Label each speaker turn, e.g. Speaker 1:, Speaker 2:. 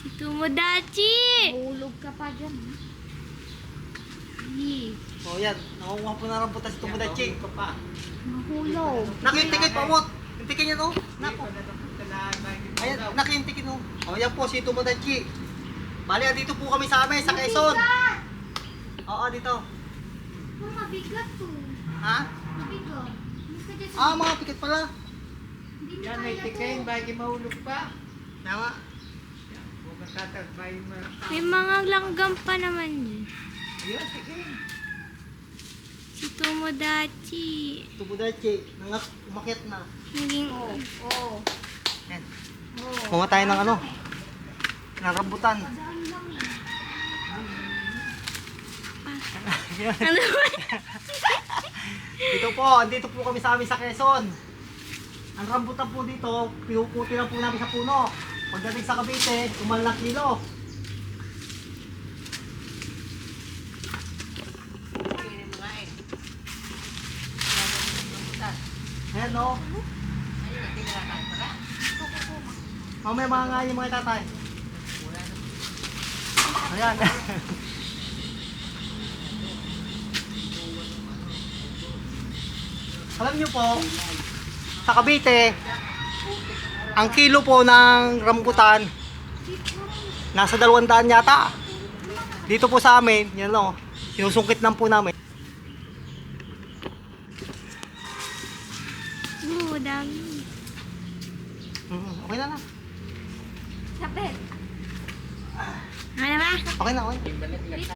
Speaker 1: Si Tomodachi!
Speaker 2: Mahulog ka pa dyan.
Speaker 3: O yan, nakukuha po na rambutan si Tomodachi.
Speaker 2: Mahulog.
Speaker 3: Nakintikit po mo. Intikin niya no. Nako. Ayan, nakintikin no. O yan po si Tomodachi. Bali, dito po kami sa amin, sa Quezon. Oo, dito.
Speaker 2: Oh, mabigat to.
Speaker 3: Ha?
Speaker 2: Mabigat. Basta dyan sa...
Speaker 3: Ah, mga pikit pala.
Speaker 2: Hindi mo
Speaker 4: Yan, may
Speaker 2: kaya to.
Speaker 4: tikain, bagi mahulog pa.
Speaker 3: Tama.
Speaker 4: Huwag kang tatakbay mo.
Speaker 1: May mga langgam pa naman dyan.
Speaker 4: Ayun, tikain.
Speaker 1: Si Tomodachi.
Speaker 3: Tomodachi, umakyat na.
Speaker 1: Naging...
Speaker 2: Oo.
Speaker 3: Yan.
Speaker 2: Oo.
Speaker 3: Kumuha tayo ng ano? Ng rambutan.
Speaker 2: Saan lang eh.
Speaker 1: Ano ba?
Speaker 3: Dito po, andito po kami sa amin sa Quezon. Ang rambutan po dito, pinuputi lang po namin sa puno. Pagdating sa Cavite, 1 kilo. Ayan no. Mamaya mga nga yung mga tatay. Ayan. Alam niyo po, sa Cavite, ang kilo po ng rambutan, nasa 200 yata. Dito po sa amin, yan o, sinusungkit lang po namin.
Speaker 1: Oo, dami.
Speaker 3: Okay na na.
Speaker 2: Sapit.
Speaker 1: Ano ba?
Speaker 3: Okay na, okay.